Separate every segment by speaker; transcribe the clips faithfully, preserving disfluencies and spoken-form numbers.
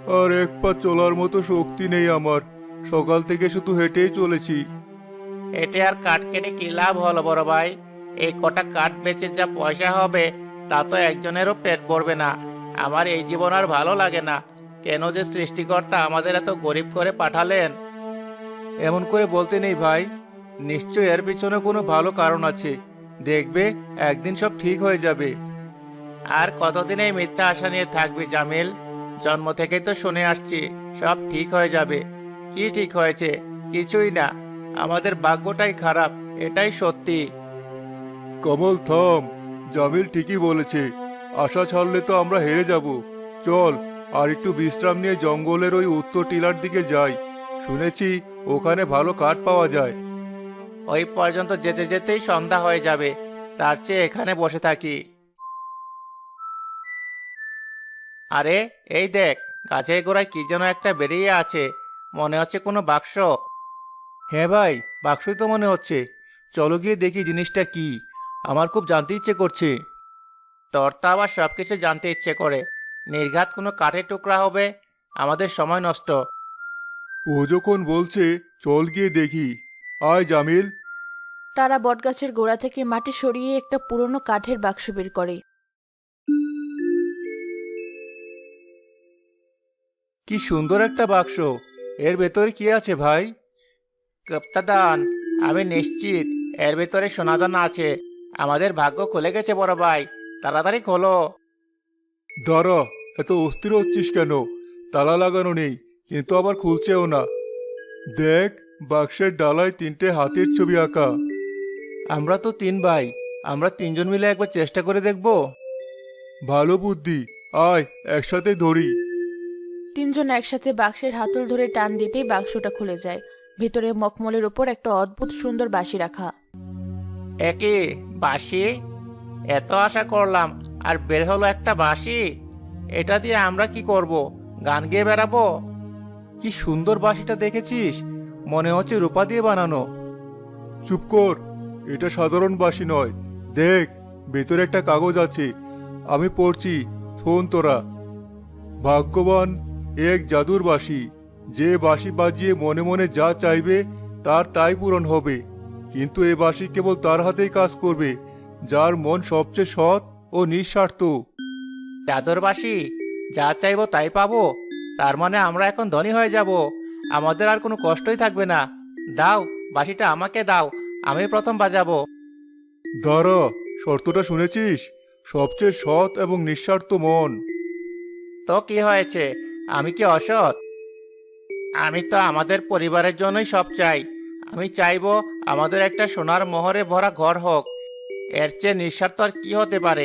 Speaker 1: আর এক পা চলার মতো শক্তি নেই আমার। সকাল থেকে শুধু হেঁটেই চলেছি।
Speaker 2: হেঁটে আর কাঠ কেটে কি লাভ হলো বড় ভাই? এই কটা কাঠ বেচে যা পয়সা হবে তা তো একজনেরও পেট ভরবে না। আমার এই জীবন আর ভালো লাগে না। কেন যে সৃষ্টিকর্তা আমাদের এত গরিব করে পাঠালেন?
Speaker 1: এমন করে বলতে নেই ভাই, নিশ্চয় এর পিছনে কোনো ভালো কারণ আছে। দেখবে একদিন সব ঠিক হয়ে যাবে।
Speaker 2: আর কতদিন এই মিথ্যা আশা নিয়ে থাকবি জামিল? জন্ম থেকেই তো শুনে আসছি সব ঠিক হয়ে যাবে। কি ঠিক হয়েছে? কিছুই না। আমাদের ভাগ্যটাই খারাপ, এটাই সত্যি।
Speaker 1: কমল থাম, জামিল ঠিকই বলেছে। আশা ছাড়লে তো আমরা হেরে যাব। চল আর একটু বিশ্রাম নিয়ে জঙ্গলের ওই উত্তর টিলার দিকে যাই। শুনেছি ওখানে ভালো কাঠ পাওয়া যায়।
Speaker 2: ওই পর্যন্ত যেতে যেতেই সন্ধ্যা হয়ে যাবে। তার চেয়ে এখানে বসে থাকি। আরে, এই দেখ, গাছের গোড়ায় কি যেন একটা বেরিয়ে আছে। মনে হচ্ছে কোনো বাক্স।
Speaker 1: হ্যাঁ ভাই, বাক্সই তো মনে হচ্ছে। চলো গিয়ে দেখি জিনিসটা কি। আমার খুব জানতে ইচ্ছে করছে।
Speaker 2: তোর তো আবার সবকিছু জানতে ইচ্ছে করে। নির্ঘাত কোনো কাঠের টুকরা হবে, আমাদের সময় নষ্ট।
Speaker 1: ও যখন বলছে চল গিয়ে দেখি। আয় জামিল।
Speaker 3: তারা বটগাছের গোড়া থেকে মাটি সরিয়ে একটা পুরনো কাঠের বাক্স বের করে।
Speaker 1: কি সুন্দর একটা বাক্স! এর ভেতরে কি আছে ভাই?
Speaker 2: গুপ্তাদান, আমি নিশ্চিত এর ভিতরে সোনাদান আছে। আমাদের ভাগ্য খুলে গেছে বড় ভাই, তাড়াতাড়ি খোলো।
Speaker 1: দাঁড়া, এত অস্থির হচ্ছিস কেন? তালা লাগানো নেই, কিন্তু আবার খুলছেও না। দেখ, বাক্সের ডালায় তিনটে হাতির ছবি আঁকা। আমরা তো তিন ভাই, আমরা তিনজন মিলে একবার চেষ্টা করে দেখব। ভালো বুদ্ধি, আয় একসাথে ধরি।
Speaker 3: তিনজন একসাথে বাক্সের হাতল ধরে টান দিতেই বাক্সটা খুলে যায়। ভেতরে মখমলের ওপর একটা অদ্ভুত সুন্দর বাঁশি রাখা।
Speaker 2: একে বাঁশি? এত আশা করলাম, আর বের হলো একটা বাঁশি। এটা দিয়ে আমরা কি করব? গান গেয়ে বেড়াবো?
Speaker 1: কি সুন্দর বাঁশিটা দেখেছিস? মনে হচ্ছে রূপা দিয়ে বানানো। চুপ কর, এটা সাধারণ বাঁশি নয়। দেখ, ভেতরে একটা কাগজ আছে। আমি পড়ছি, শোন তোরা। ভাগ্যবান এ এক জাদুর বাঁশি। যে বাঁশি বাজিয়ে মনে মনে যা চাইবে তার তাই পূরণ হবে। কিন্তু এ বাঁশি কেবল তার হাতেই কাজ করবে যার মন সবচেয়ে সৎ ও নিঃস্বার্থ।
Speaker 2: জাদুর বাঁশি? যা চাইবো তাই পাবো? তার মানে আমরা এখন ধনী হয়ে যাব। আমাদের আর কোনো কষ্টই থাকবে না। দাও, বাঁশিটা আমাকে দাও, আমি প্রথম বাজাবো।
Speaker 1: দাঁড়া, শর্তটা শুনেছিস? সবচেয়ে সৎ এবং নিঃস্বার্থ মন।
Speaker 2: তো কি হয়েছে? আমি কি অসৎ? আমি তো আমাদের পরিবারের জন্যই সব চাই। আমি চাইবো আমাদের একটা সোনার মোহরে ভরা ঘর হোক। এর চেয়ে নিঃস্বার্থ আর কি হতে পারে?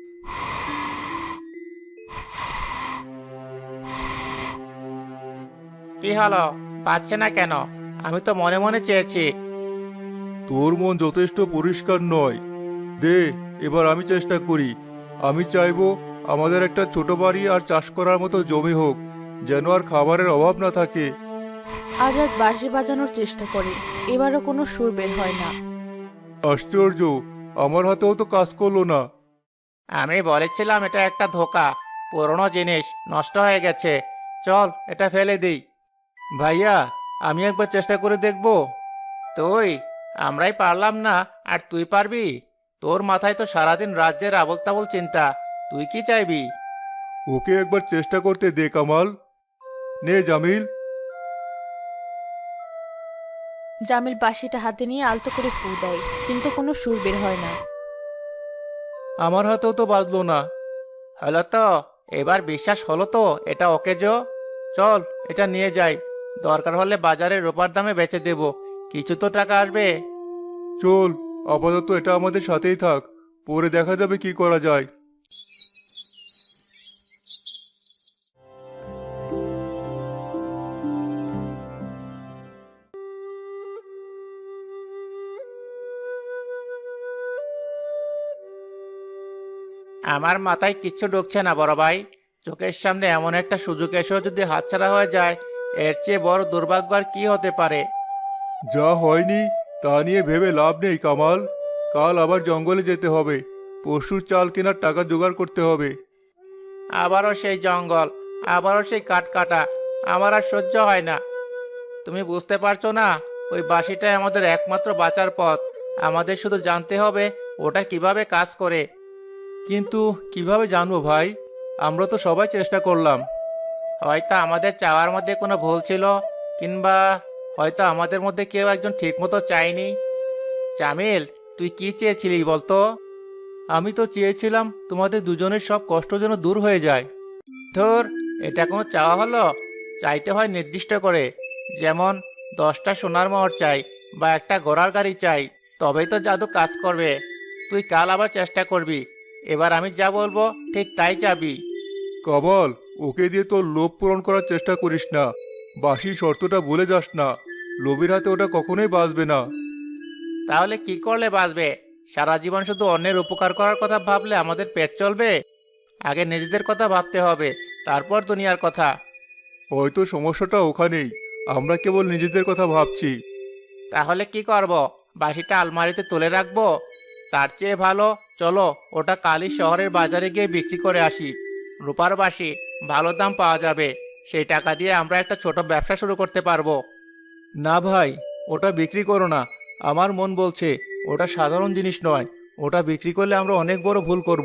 Speaker 2: কি হলো? পাচ্ছে না কেন? আমি তো মনে মনে চেয়েছি।
Speaker 1: তোর মন যথেষ্ট পরিষ্কার নয়। দে, এবার আমি চেষ্টা করি। আমি চাইবো আমাদের একটা ছোট বাড়ি আর চাষ করার মতো জমি হোক, যেন আর খাবারের অভাব না থাকে।
Speaker 3: আজাদ বাঁশি বাজানোর চেষ্টা করে, এবারও কোনো সুর বের হয় না।
Speaker 1: আশ্চর্য, আমার হাতেও তো কাজ করলো না।
Speaker 2: আমি বলেছিলাম এটা একটা ধোঁকা। পুরনো জিনিস নষ্ট হয়ে গেছে। চল এটা ফেলে দিই।
Speaker 1: ভাইয়া, আমি একবার চেষ্টা করে দেখবো।
Speaker 2: তুই? আমরাই পারলাম না, আর তুই পারবি? তোর মাথায় তো সারাদিন রাজ্যের আবল তাবল চিন্তা। তুই কি চাইবি?
Speaker 1: ওকে একবার চেষ্টা করতে দে কামাল। নে জামিল।
Speaker 3: জামিল বাঁশিটা হাতে নিয়ে আলতো করে ফু দেয়, কিন্তু কোনো সুর বের হয় না।
Speaker 1: আমার হাতেও তো বাজলো না।
Speaker 2: হলো তো? এবার বিশ্বাস হলো তো এটা ওকে জো? চল এটা নিয়ে যাই। দরকার হলে বাজারে রূপার দামে বেচে দেব। কিছু তো টাকা আসবে।
Speaker 1: চল, আপাতত এটা আমাদের সাথেই থাক, পরে দেখা যাবে কি করা যায়।
Speaker 2: আমার মাথায় কিচ্ছু ঢুকছে না বড় ভাই। চোখের সামনে এমন একটা সুযোগ এসেও যদি হাতছাড়া হয়ে যায়, এর চেয়ে বড় দুর্ভাগ্য আর কি হতে পারে?
Speaker 1: যা হয়নি তা নিয়ে ভেবে লাভ নেই কামাল। কাল আবার জঙ্গলে যেতে হবে। পরশুর চাল কেনার টাকা জোগাড় করতে হবে।
Speaker 2: আবারও সেই জঙ্গল, আবারও সেই কাঠ কাটা। আমার আর সহ্য হয় না। তুমি বুঝতে পারছো না, ওই বাঁশিটাই আমাদের একমাত্র বাঁচার পথ। আমাদের শুধু জানতে হবে ওটা কিভাবে কাজ করে।
Speaker 1: কিন্তু কিভাবে জানবো ভাই? আমরা তো সবাই চেষ্টা করলাম।
Speaker 2: হয়তো আমাদের চাওয়ার মধ্যে কোনো ভুল ছিল, কিংবা হয়তো আমাদের মধ্যে কেউ একজন ঠিকমতো চায়নি। জামিল, তুই কি চেয়েছিলি বলতো?
Speaker 1: আমি তো চেয়েছিলাম তোমাদের দুজনের সব কষ্ট যেন দূর হয়ে যায়।
Speaker 2: ধুর, এটা কোনো চাওয়া হলো? চাইতে হয় নির্দিষ্ট করে। যেমন দশটা সোনার মোহর চাই বা একটা ঘোড়ার গাড়ি চাই, তবেই তো জাদু কাজ করবে। তুই কাল আবার চেষ্টা করবি। এবার আমি যা বলবো ঠিক তাই চাবি।
Speaker 1: কমল, ওকে দিয়ে তোর লোভ পূরণ করার চেষ্টা করিস না। বাসি শর্তটা ভুলে যাস না। লোভের হাতে ওটা কখনোই বাঁচবে না।
Speaker 2: তাহলে কি করলে বাঁচবে? সারা জীবন শুধু অন্যের উপকার করার কথা ভাবলে আমাদের পেট চলবে? আগে নিজেদের কথা ভাবতে হবে, তারপর দুনিয়ার কথা।
Speaker 1: হয়তো সমস্যাটা ওখানেই। আমরা কেবল নিজেদের কথা ভাবছি।
Speaker 2: তাহলে কি করব? বাঁশিটা আলমারিতে তুলে রাখবো? তার চেয়ে ভালো, চলো ওটা কালই শহরের বাজারে গিয়ে বিক্রি করে আসি। রূপার বাঁশি, ভালো দাম পাওয়া যাবে। সেই টাকা দিয়ে আমরা একটা ছোট ব্যবসা শুরু করতে পারবো।
Speaker 1: না ভাই, ওটা বিক্রি করো না। আমার মন বলছে ওটা সাধারণ জিনিস নয়। ওটা বিক্রি করলে আমরা অনেক বড় ভুল করব।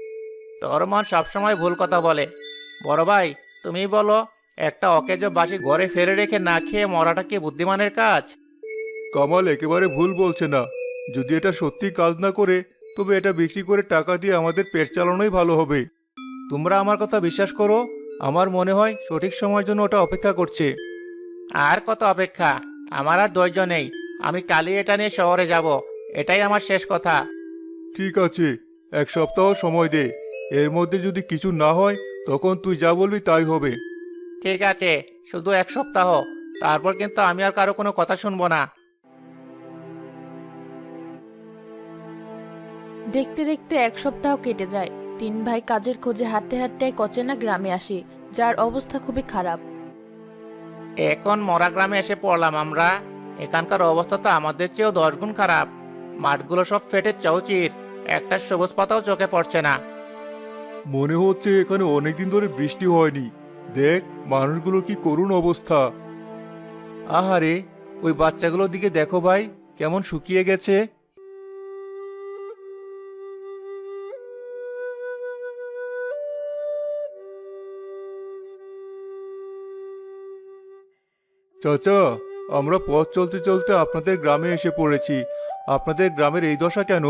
Speaker 2: তোর মন সবসময় ভুল কথা বলে। বড় ভাই, তুমি বলো, একটা অকেজো বাঁশি ঘরে ফেলে রেখে না খেয়ে মরাটা কি বুদ্ধিমানের কাজ?
Speaker 1: কমল একেবারে ভুল বলছে না। যদি এটা সত্যি কাজ না করে, তবে এটা বিক্রি করে টাকা দিয়ে আমাদের পেট চালানোই ভালো হবে। তোমরা আমার কথা বিশ্বাস করো। আমার মনে হয় সঠিক সময়ের জন্য ওটা অপেক্ষা করছে।
Speaker 2: আর কত অপেক্ষা? আমার আর ধৈর্য নেই। আমি কালই এটা নিয়ে শহরে যাব। এটাই আমার শেষ কথা।
Speaker 1: ঠিক আছে, এক সপ্তাহ সময় দে। এর মধ্যে যদি কিছু না হয়, তখন তুই যা বলবি তাই হবে।
Speaker 2: ঠিক আছে, শুধু এক সপ্তাহ। তারপর কিন্তু আমি আর কারো কোনো কথা শুনবো না।
Speaker 3: দেখতে দেখতে এক সপ্তাহ কেটে যায়। তিন ভাই কাজের খোঁজে হাঁটতে হাঁটতে এক অচেনা গ্রামে আসে, যার অবস্থা খুবই খারাপ।
Speaker 2: এখন মরা গ্রামে এসে পড়লাম আমরা। এখানকার অবস্থা তো আমাদের চেয়েও দশ গুণ খারাপ। মাঠগুলো সব ফেটে চৌচির, একটা সবুজ পাতাও চোখে পড়ছে না।
Speaker 1: মনে হচ্ছে এখানে অনেকদিন ধরে বৃষ্টি হয়নি। দেখ, মানুষগুলোর কি করুণ অবস্থা। আহারে, ওই বাচ্চাগুলোর দিকে দেখো ভাই, কেমন শুকিয়ে গেছে। চাচা, আমরা পথ চলতে চলতে আপনাদের গ্রামে এসে পড়েছি। আপনাদের গ্রামের এই দশা কেন?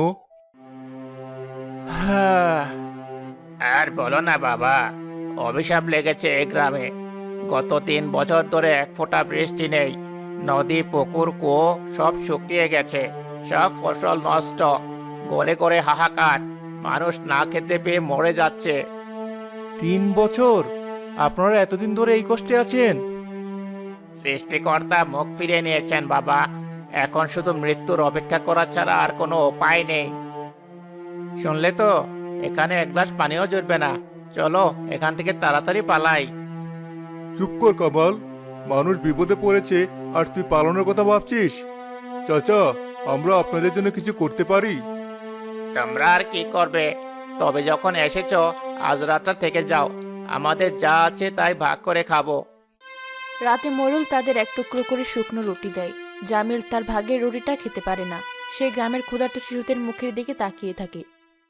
Speaker 2: আর বলো না বাবা, অভিশাপ লেগেছে এই গ্রামে। গত তিন বছর ধরে এক ফোঁটা বৃষ্টি নেই। নদী, পুকুর, কুয়ো সব শুকিয়ে গেছে। সব ফসল নষ্ট। গড়ে গড়ে হাহাকার। মানুষ না খেতে পেয়ে মরে যাচ্ছে।
Speaker 1: তিন বছর? আপনারা এতদিন ধরে এই কষ্টে আছেন?
Speaker 2: সৃষ্টিকর্তা মুখ ফিরিয়ে নিয়েছেন বাবা। এখন শুধু মৃত্যুর অপেক্ষা করা ছাড়া আর কোনো উপায় নেই। শুনলে তো, এখানে এক গ্লাস পানিও জুটবে না। চলো এখান থেকে তাড়াতাড়ি পালাই।
Speaker 1: চুপ কর কামাল। মানুষ বিপদে পড়েছে আর তুই পালানোর কথা ভাবছিস? চাচা, আমরা আপনাদের জন্য কিছু করতে পারি।
Speaker 2: তোমরা আর কি করবে? তবে যখন এসেছো, আজ রাতটা থেকে যাও। আমাদের যা আছে তাই ভাগ করে খাবো।
Speaker 3: রাতে মোড়ল তাদের এক টুকরো করে শুকনো রুটি দেয়। জামিল তার ভাগের রুটিটা খেতে পারে না। সে গ্রামের ক্ষুধার্ত শিশুদের মুখের দিকে তাকিয়ে থাকে।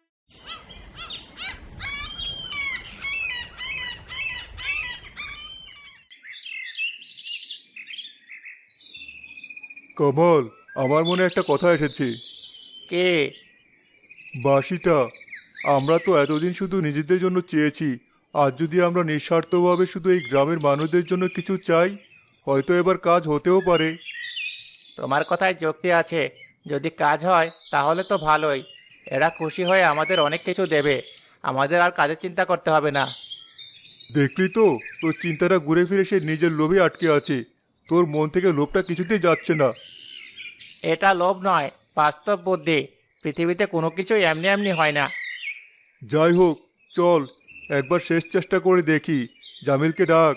Speaker 1: কমল, আমার মনে একটা কথা এসেছে।
Speaker 2: কে?
Speaker 1: বাঁশিটা। আমরা তো এতদিন শুধু নিজেদের জন্য চেয়েছি। আজ যদি আমরা নিঃস্বার্থভাবে শুধু এই গ্রামের মানুষদের জন্য কিছু চাই, হয়তো এবার কাজ হতেও পারে।
Speaker 2: তোমার কথায় যুক্তি আছে। যদি কাজ হয় তাহলে তো ভালোই। এরা খুশি হয়ে আমাদের অনেক কিছু দেবে। আমাদের আর কাজের চিন্তা করতে হবে না।
Speaker 1: দেখলি তো, তোর চিন্তাটা ঘুরে ফিরে সে নিজের লোভে আটকে আছে। তোর মন থেকে লোভটা কিছুতেই যাচ্ছে না।
Speaker 2: এটা লোভ নয়, বাস্তব বুদ্ধি। পৃথিবীতে কোনো কিছুই এমনি এমনি হয় না।
Speaker 1: যাই হোক, চল একবার শেষ চেষ্টা করে দেখি। জামিলকে ডাক।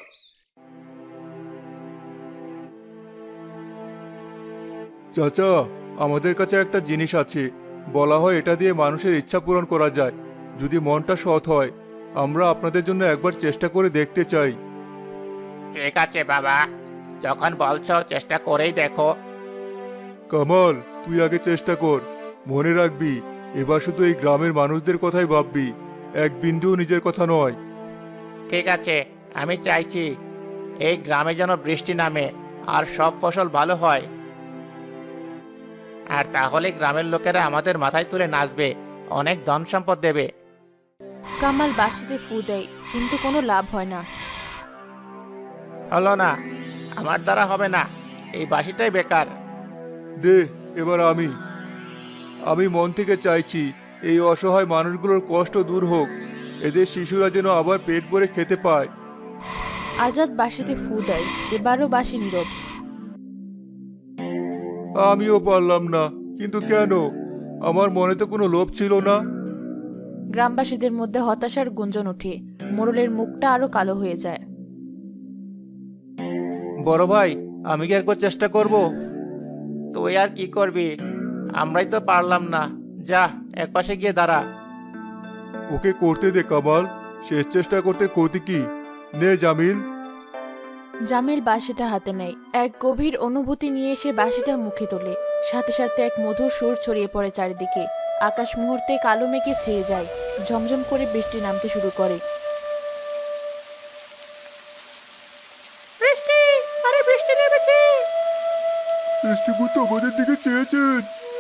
Speaker 1: চাচা, আমাদের কাছে একটা জিনিস আছে। বলা হয় এটা দিয়ে মানুষের ইচ্ছা পূরণ করা যায়, যদি মনটা সৎ হয়। আমরা আপনাদের জন্য একবার চেষ্টা করে দেখতে চাই।
Speaker 2: ঠিক আছে বাবা, যখন বলছো চেষ্টা করেই দেখো।
Speaker 1: কামাল, তুই আগে চেষ্টা কর। মনে রাখবি, এবার শুধু এই গ্রামের মানুষদের কথাই ভাববি, এক বিন্দুও নিজের কথা নয়।
Speaker 2: ঠিক আছে, আমি চাইছি এই গ্রামে যেন বৃষ্টি নামে আর সব ফসল ভালো হয়। আর তাহলে গ্রামের লোকেরা আমাদের মাথায় তুলে নাচবে, অনেক ধন সম্পদ দেবে।
Speaker 3: কামাল বাঁশিতে ফু দেয়, কিন্তু কোনো লাভ হয় না।
Speaker 2: হলো না, আমার দ্বারা হবে না, এই বাঁশিটাই বেকার।
Speaker 1: দে, এবার আমি আমি মন থেকে চাইছি এই অসহায় মানুষগুলোর কষ্ট দূর হোক, এদের শিশুরা যেন আবার পেট ভরে খেতে পায়।
Speaker 3: আজাদ বাঁশিতে ফু দেয়, এবারও বাঁশি নীরব।
Speaker 1: আমিও পারলাম না, কিন্তু কেন? আমার মনে তো কোনো লোভ ছিল না।
Speaker 3: গ্রামবাসীদের মধ্যে হতাশার গুঞ্জন ওঠে, মোড়লের মুখটা আরো কালো হয়ে যায়।
Speaker 2: বড় ভাই, আমি কি একবার চেষ্টা করব? তুই আর কি করবি, আমরাই তো পারলাম না। যা, একপাশে গিয়ে দাঁড়া।
Speaker 1: ওকে করতে দে কামাল, শেষ চেষ্টা করতে ক্ষতি কি? নে জামিল।
Speaker 3: জামিল বাঁশিটা হাতে নেয়, এক গভীর অনুভূতি নিয়ে সে বাঁশিটা মুখে তোলে। সাথে সাথে এক মধুর সুর ছড়িয়ে পড়ে চারিদিকে। আকাশ মুহূর্তে কালো মেঘে ছেয়ে যায়, ঝমঝম করে বৃষ্টি নামতে শুরু করে। বৃষ্টি, আরে বৃষ্টি নেমেছে।
Speaker 1: সৃষ্টিপুত্র আমাদের দিকে চেয়েছেন।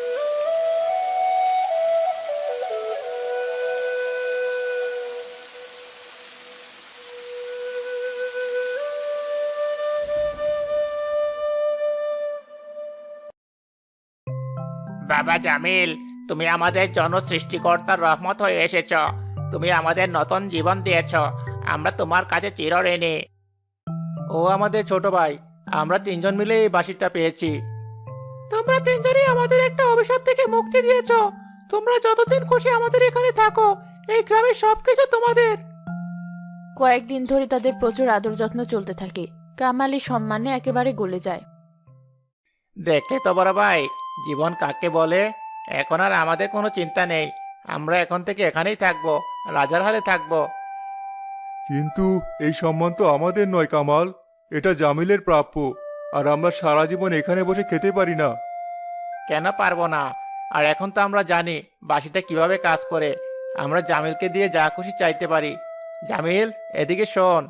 Speaker 2: বাবা জামিল, তুমি আমাদের জন্য সৃষ্টিকর্তার রহমত হয়ে এসেছ। তুমি আমাদের নতুন জীবন দিয়েছ, আমরা তোমার কাছে চিরঋণী। ও আমাদের ছোট ভাই, আমরা তিনজন মিলে এই বাঁশিটা পেয়েছি। তোমরা তিনজনই আমাদের একটা অভিশাপ থেকে মুক্তি দিয়েছ। তোমরা যতদিন খুশি আমাদের এখানে থাকো, এই গ্রামের সবকিছু তোমাদের।
Speaker 3: কয়েকদিন ধরে তাদের প্রচুর আদর যত্ন চলতে থাকে। কামালি সম্মানে একেবারে গলে যায়।
Speaker 2: দেখলে তো বড় ভাই, জীবন কাকে বলে। এখন আর আমাদের কোনো চিন্তা নেই, আমরা এখন থেকে এখানেই থাকবো, রাজার হালে থাকবো।
Speaker 1: কিন্তু এই সম্মান তো আমাদের নয় কামাল, এটা জামিলের প্রাপ্য। আর আমরা সারা জীবন এখানে বসে খেতে পারি না।
Speaker 2: কেন পারবো না? আর এখন তো আমরা জানি বাঁশিটা কিভাবে কাজ করে। আমরা জামিলকে দিয়ে যা খুশি চাইতে পারি। জামিল, এদিকে শোন।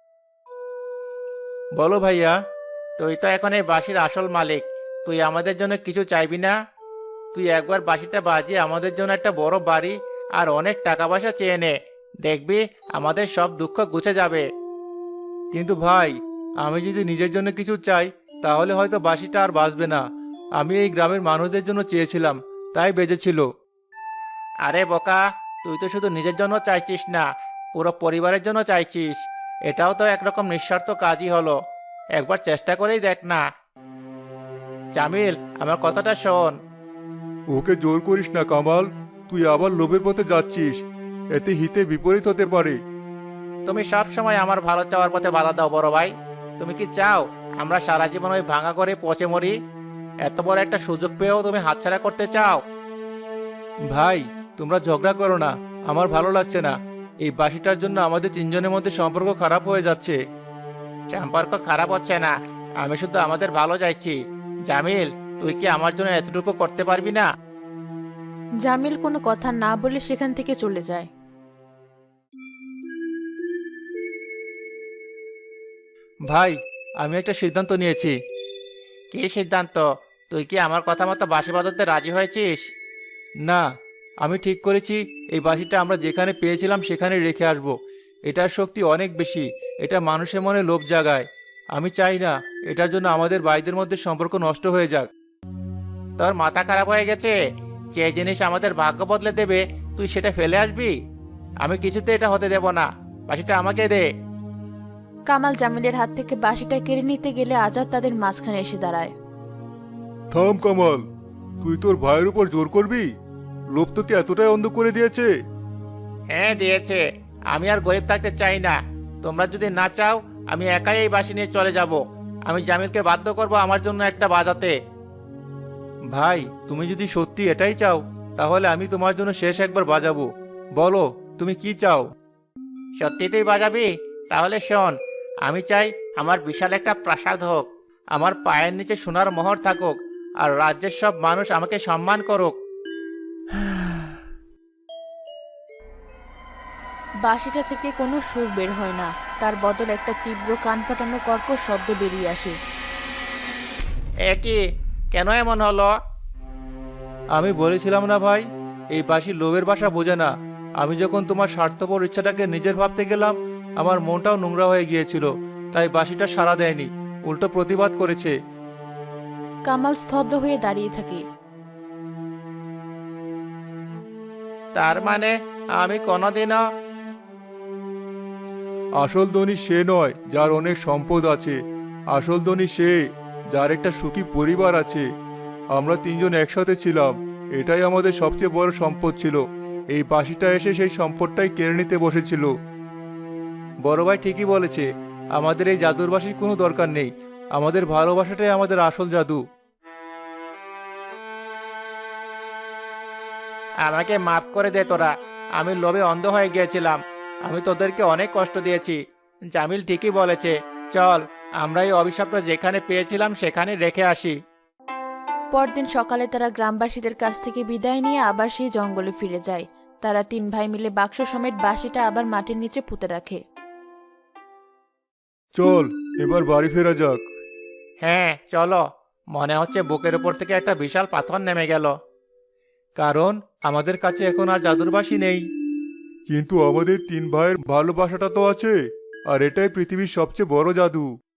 Speaker 2: বলো ভাইয়া, তুই তো এখন এই বাঁশির আসল মালিক, তুই আমাদের জন্য কিছু চাইবি না? তুই একবার বাঁশিটা বাজিয়ে আমাদের জন্য একটা বড় বাড়ি আর অনেক টাকা পয়সা চেয়ে নে, দেখবি আমাদের সব দুঃখ ঘুচে যাবে। কিন্তু ভাই, আমি যদি নিজের জন্য কিছু চাই, তাহলে হয়তো বাঁশিটা আর বাজবে না। আমি এই গ্রামের মানুষদের জন্য চেয়েছিলাম, তাই বেজেছিল। আরে বোকা, তুই তো শুধু নিজের জন্য চাইছিস না, পুরো পরিবারের জন্য চাইছিস। এটাও তো একরকম নিঃস্বার্থ কাজই হলো। একবার চেষ্টা করেই দেখ না। জামিল, আমার কথাটা শোন।
Speaker 1: ওকে জোর করিস না কামাল, তুই আবার লোভের পথে যাচ্ছিস, এতে হিতে বিপরীত হতে পারে।
Speaker 2: তুমি সব সময় আমার ভালো চাওয়ার পথে বাধা দাও বড় ভাই। তুমি কি চাও আমরা সারা জীবন ওই ভাঙা করে পচে মরি? এত বড় একটা সুযোগ পেয়েও তুমি হাতছাড়া করতে চাও? ভাই, তোমরা ঝগড়া করো না, আমার ভালো লাগছে না। এই বাঁশিটার জন্য আমাদের তিনজনের মধ্যে সম্পর্ক খারাপ হয়ে যাচ্ছে। সম্পর্ক খারাপ হচ্ছে না, আমি শুধু আমাদের ভালো চাইছি। জামিল, তুই কি আমার জন্য এতটুকু করতে পারবি না?
Speaker 3: জামিল কোনো কথা না বলে সেখান থেকে চলে যায়।
Speaker 2: ভাই, আমি একটা সিদ্ধান্ত নিয়েছি। কি সিদ্ধান্ত? তুই কি আমার কথা মতো বাঁশি বাজাতে রাজি হয়েছিস? না, আমি ঠিক করেছি এই বাঁশিটা আমরা যেখানে পেয়েছিলাম সেখানে রেখে আসব। এটার শক্তি অনেক বেশি, এটা মানুষের মনে লোভ জাগায়। আমি চাই না এটার জন্য আমাদের ভাইদের মধ্যে সম্পর্ক নষ্ট হয়ে যাক। তোর মাথা খারাপ হয়ে গেছে? যে জিনিস আমাদের ভাগ্য বদলে দেবে তুই সেটা ফেলে আসবি? আমি কিছুতে এটা হতে দেব না, বাঁশিটা আমাকে দে।
Speaker 3: কামাল জামিলের হাত থেকে বাঁশিটা কেড়ে নিতে গেলে আজাদ তাদের মাঝখানে এসে দাঁড়ায়।
Speaker 1: থাম কামাল, তুই তোর ভাইয়ের উপর জোর করবি? লোভ তোকে এতটাই অন্ধ করে দিয়েছে?
Speaker 2: হ্যাঁ দিয়েছে, আমি আর গরিব থাকতে চাই না। তোমরা যদি না চাও, আমি একাই এই বাঁশি নিয়ে চলে যাব। আমি জামিলকে বাধ্য করব আমার জন্য একটা বাজাতে। ভাই, তুমি যদি সত্যি এটাই চাও, তাহলে আমি তোমার জন্য শেষ একবার বাজাবো। বলো, তুমি কি চাও? সত্যি তুই বাজাবি? তাহলে শোন, আমি চাই আমার বিশাল একটা প্রাসাদ হোক, আমার পায়ের নিচে সোনার মোহর থাকুক, আর রাজ্যের সব মানুষ আমাকে সম্মান করুক।
Speaker 3: বাঁশিটা থেকে কোনো সুর বের হয় না, তার বদল একটা তীব্র কান ফাটানো কর্কশ শব্দ বেরিয়ে আসে।
Speaker 2: এ কি, কেন এমন হলো?
Speaker 1: আমি বলেছিলাম না ভাই, এই বাঁশি লোভের বাসা বোঝে না। আমি যখন তোমার স্বার্থপর ইচ্ছাটাকে নিজের ভাবতে গেলাম, আমার মনটাও নোংরা হয়ে গিয়েছিল, তাই বাঁশিটা সাড়া দেয়নি, উল্টো প্রতিবাদ করেছে।
Speaker 3: কামাল স্তব্ধ হয়ে দাঁড়িয়ে থাকে।
Speaker 2: তার মানে আমি কোনোদিনও...
Speaker 1: আসল ধনী সে নয় যার অনেক সম্পদ আছে, আসল ধনী সে যার একটা সুখী পরিবার আছে। আমরা তিনজন একসাথে ছিলাম, এটাই আমাদের সবচেয়ে বড় সম্পদ ছিল। এই বাঁশিটা এসে সেই সম্পদটাই কেড়ে নিতে বসেছিল। বড় ভাই ঠিকই বলেছে, আমাদের এই জাদুর বাঁশির কোনো দরকার নেই, আমাদের ভালোবাসাটাই আমাদের আসল জাদু।
Speaker 2: আমাকে মাফ করে দে তোরা, আমি লোভে অন্ধ হয়ে গিয়েছিলাম, আমি তোদেরকে অনেক কষ্ট দিয়েছি। জামিল ঠিকই বলেছে, চল আমরা এই অভিশাপটা যেখানে পেয়েছিলাম সেখানে রেখে আসি।
Speaker 3: পরদিন সকালে তারা গ্রামবাসীদের কাছ থেকে বিদায় নিয়ে আবার সেই জঙ্গলে ফিরে যায়। তারা তিন ভাই মিলে বাক্স সমেত বাঁশিটা আবার মাটির নিচে পুঁতে রাখে।
Speaker 1: চল এবার বাড়ি ফেরা যাক।
Speaker 2: হ্যাঁ চলো, মনে হচ্ছে বুকের উপর থেকে একটা বিশাল পাথর নেমে গেল।
Speaker 1: কারণ আমাদের কাছে এখন আর জাদুর বাঁশি নেই। কিন্তু আমাদের তিন ভাইয়ের ভালোবাসাটা তো আছে, আর এটাই পৃথিবীর সবচেয়ে বড় জাদু।